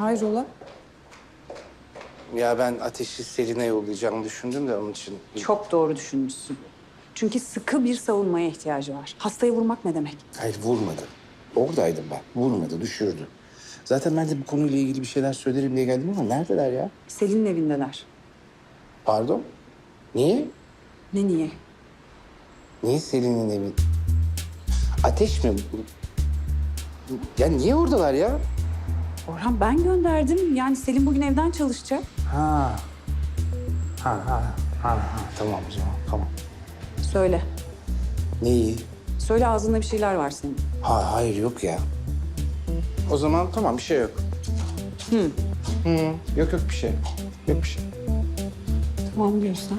Hayrola? Ya ben Ateş'i Selin'e yollayacağımı düşündüm de onun için. Çok doğru düşünmüşsün. Çünkü sıkı bir savunmaya ihtiyacı var. Hastayı vurmak ne demek? Hayır vurmadı. Oradaydım ben. Vurmadı, düşürdü. Zaten ben de bu konuyla ilgili bir şeyler söylerim diye geldim ama neredeler ya? Selin'in evindeler. Pardon? Niye? Ne niye? Niye Selin'in evi? Ateş mi? Ya niye oradalar ya? Orhan ben gönderdim. Yani Selin bugün evden çalışacak. Ha. Tamam o zaman, tamam. Söyle. Neyi? Söyle ağzında bir şeyler var senin. Hayır yok ya. O zaman tamam bir şey yok. Yok bir şey. Yok bir şey. Tamam diyorsan.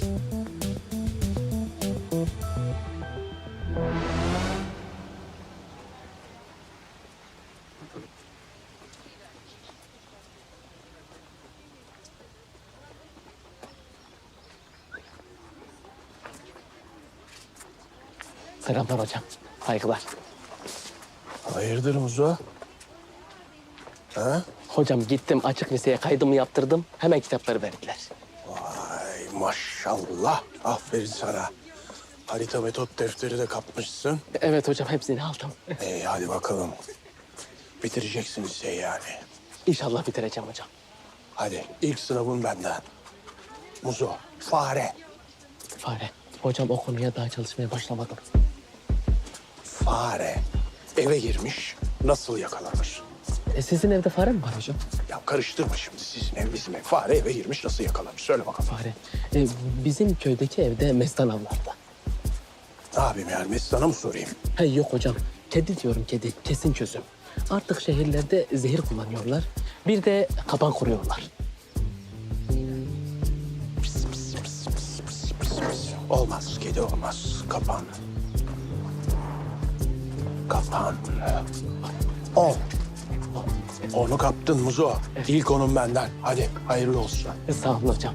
Selamlar hocam. Saygılar. Hayırdır Muzo? Ha? Hocam gittim açık liseye kaydımı yaptırdım. Hemen kitapları verdiler. Ay maşallah. Aferin sana. Harita metot defteri de kapmışsın. Evet hocam hepsini aldım. Hadi bakalım. Bitireceksin liseyi yani. İnşallah bitireceğim hocam. Hadi ilk sınavın benden. Muzo, fare. Fare. Hocam o konuya daha çalışmaya başlamadım. Fare eve girmiş, nasıl yakalanır? Sizin evde fare mi var hocam? Ya karıştırma şimdi sizin ev bizim ev. Fare eve girmiş, nasıl yakalanır? Söyle bakalım. Fare. Bizim köydeki evde mestan avlardı. Ne yapayım yani, sana mı sorayım? Yok hocam. Kedi diyorum kedi. Kesin çözüm. Artık şehirlerde zehir kullanıyorlar. Bir de kapan kuruyorlar. Olmaz, kedi olmaz. Kapan. Kapan. Onu kaptın Muzo. İlk onun benden. Hadi hayırlı olsun. Sağ olun hocam.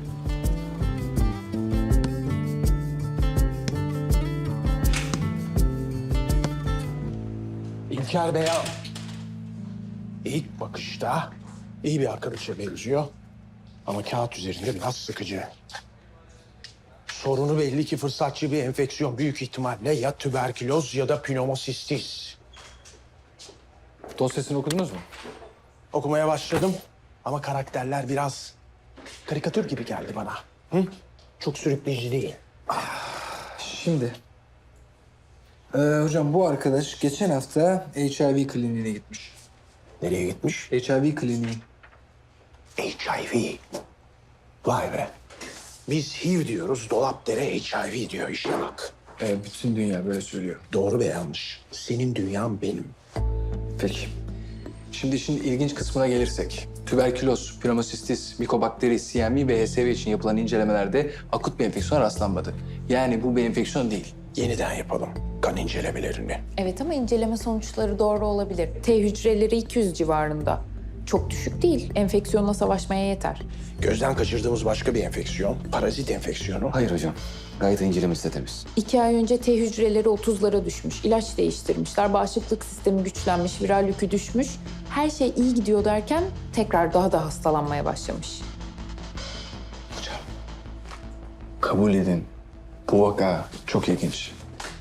İlker Beyan. İlk bakışta iyi bir arkadaşa benziyor. Ama kağıt üzerinde biraz sıkıcı. Sorunu belli ki fırsatçı bir enfeksiyon. Büyük ihtimalle ya tüberküloz ya da pnömosistis. Dosyasını okudunuz mu? Okumaya başladım ama karakterler biraz karikatür gibi geldi bana. Hı? Çok sürükleyici değil. Şimdi. Hocam bu arkadaş geçen hafta HIV kliniğine gitmiş. Nereye gitmiş? HIV kliniği. HIV. Vay be. Biz HIV diyoruz, dolapdere HIV diyor işte bak. Bütün dünya böyle söylüyor. Doğru ve yanlış. Senin dünyan benim. Peki. Şimdi işin ilginç kısmına gelirsek. Tüberküloz, pnömosistis, mikobakteri, CMV ve HSV için yapılan incelemelerde akut bir enfeksiyon rastlanmadı. Yani bu bir enfeksiyon değil. Yeniden yapalım kan incelemelerini. Evet ama inceleme sonuçları doğru olabilir. T hücreleri 200 civarında. Çok düşük değil. Enfeksiyonla savaşmaya yeter. Gözden kaçırdığımız başka bir enfeksiyon, parazit enfeksiyonu. Hayır hocam. Gayet incelemesi de temiz. 2 ay önce T hücreleri 30'lara düşmüş. İlaç değiştirmişler. Bağışıklık sistemi güçlenmiş. Viral yükü düşmüş. Her şey iyi gidiyor derken tekrar daha da hastalanmaya başlamış. Hocam. Kabul edin. Bu vaka çok ilginç.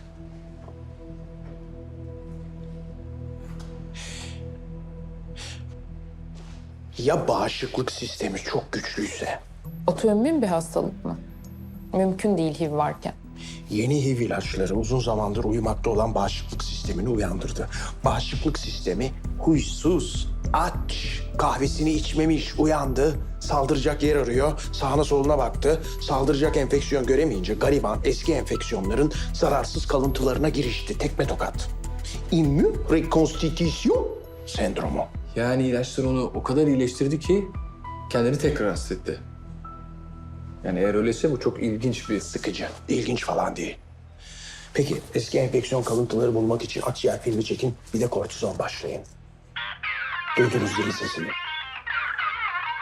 Ya bağışıklık sistemi çok güçlüyse? Otoimmün bir hastalık mı? Mümkün değil HIV varken. Yeni HIV ilaçları uzun zamandır uyumakta olan bağışıklık sistemini uyandırdı. Bağışıklık sistemi huysuz, aç, kahvesini içmemiş, uyandı. Saldıracak yer arıyor, sağına soluna baktı. Saldıracak enfeksiyon göremeyince gariban eski enfeksiyonların zararsız kalıntılarına girişti. Tekme tokat. İmmün rekonstitüsyon sendromu. Yani ilaçlar onu o kadar iyileştirdi ki kendini tekrar hasta etti. Yani eğer öyleyse bu çok ilginç bir... Sıkıcı, ilginç falan değil. Peki eski enfeksiyon kalıntıları bulmak için akciğer filmi çekin, bir de kortizon başlayın. Duydunuz zil sesini.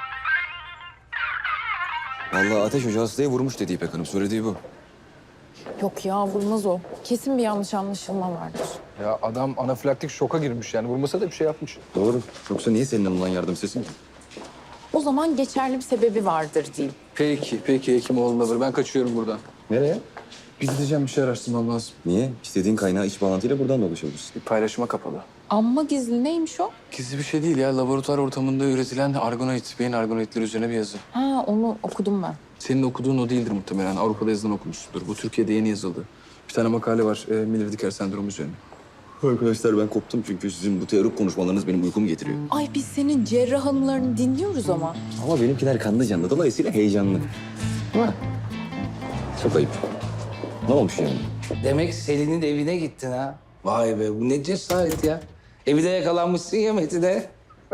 Vallahi Ateş Hoca hastayı vurmuş dedi İpek Hanım. Söylediği bu. Yok ya vurmaz o. Kesin bir yanlış anlaşılma vardır. Ya adam anafilaktik şoka girmiş yani. Vurmasa da bir şey yapmış. Doğru. Yoksa niye senin alınan yardım istesin ki? O zaman geçerli bir sebebi vardır diyeyim. Peki Hekimoğlu Lover. Ben kaçıyorum buradan. Nereye? Gideceğim, bir şey araştırmam lazım. Niye? İstediğin kaynağı iç bağlantıyla buradan da ulaşabilirsin. Bir paylaşıma kapalı. Amma gizli neymiş o? Gizli bir şey değil ya. Laboratuvar ortamında üretilen argonoid, beyin argonoidleri üzerine bir yazı. Ha onu okudum ben. Senin okuduğun o değildir muhtemelen. Avrupa'da yazılan okumuşsundur. Bu Türkiye'de yeni yazıldı. Bir tane makale var. Miller-Dicker sendromu üzerine. Arkadaşlar ben koptum çünkü sizin bu teorik konuşmalarınız benim uykumu getiriyor. Ay biz senin cerrah anılarını dinliyoruz ama. Ama benimkiler kanlı canlı. Dolayısıyla heyecanlı. Ama çok ayıp. Ne olmuş yani? Demek Selin'in evine gittin ha. Vay be bu ne cesaret ya. Evde yakalanmışsın ya Metin'e.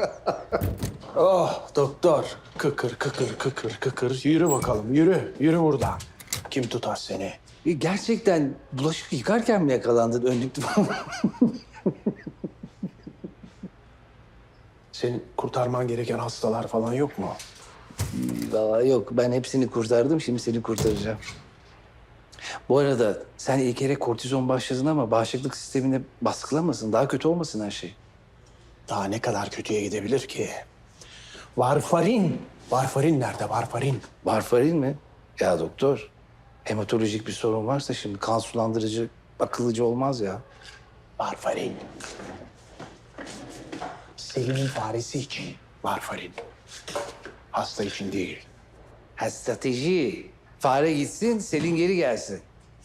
Oh doktor. Kıkır kıkır kıkır kıkır. Yürü bakalım yürü. Yürü buradan. Kim tutar seni? Gerçekten bulaşık yıkarken mi yakalandın önlüklü falan? Senin kurtarman gereken hastalar falan yok mu? Vallahi yok ben hepsini kurtardım şimdi seni kurtaracağım. Bu arada sen ilk kere kortizon başladın ama bağışıklık sistemini baskılamasın. Daha kötü olmasın her şey. Daha ne kadar kötüye gidebilir ki? Varfarin. Varfarin nerede varfarin? Varfarin mi? Ya doktor hematolojik bir sorun varsa şimdi kan sulandırıcı akıllıcı olmaz ya. Varfarin. Selin'in faresi için varfarin. Hasta için değil. Ha strateji. Fare gitsin Selin geri gelsin.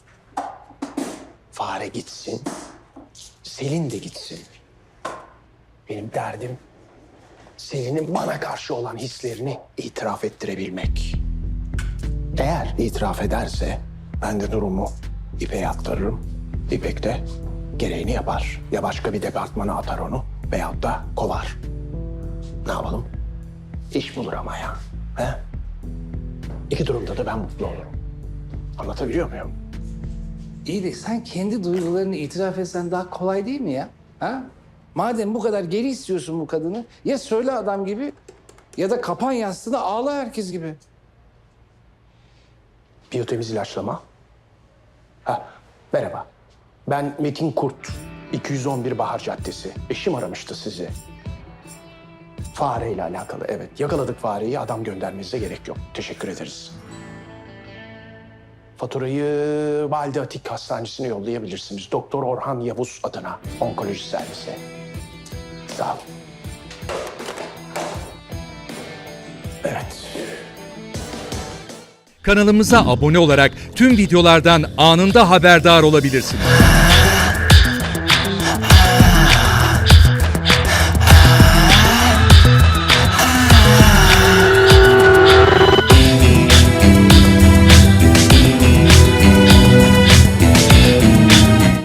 Fare gitsin. Selin de gitsin. Benim derdim Selin'in bana karşı olan hislerini itiraf ettirebilmek. Eğer itiraf ederse ben de durumu İpek'e aktarırım. İpek de gereğini yapar. Ya başka bir departmana atar onu veyahut da kovar. Ne yapalım? İş bulur ama ya. He? İki durumda da ben mutlu olurum. Anlatabiliyor muyum? İyi de sen kendi duygularını itiraf etsen daha kolay değil mi ya? Ha? Madem bu kadar geri istiyorsun bu kadını ya söyle adam gibi ya da kapan yastığına ağla herkes gibi. Biyotemiz ilaçlama. Ha, merhaba. Ben Metin Kurt. 211 Bahar Caddesi. Eşim aramıştı sizi. Fareyle alakalı, evet. Yakaladık fareyi, adam göndermenize gerek yok. Teşekkür ederiz. Faturayı Valide Atik Hastanesi'ne yollayabilirsiniz. Doktor Orhan Yavuz adına, onkoloji servisi. Sağ olun. Evet. Kanalımıza abone olarak tüm videolardan anında haberdar olabilirsiniz.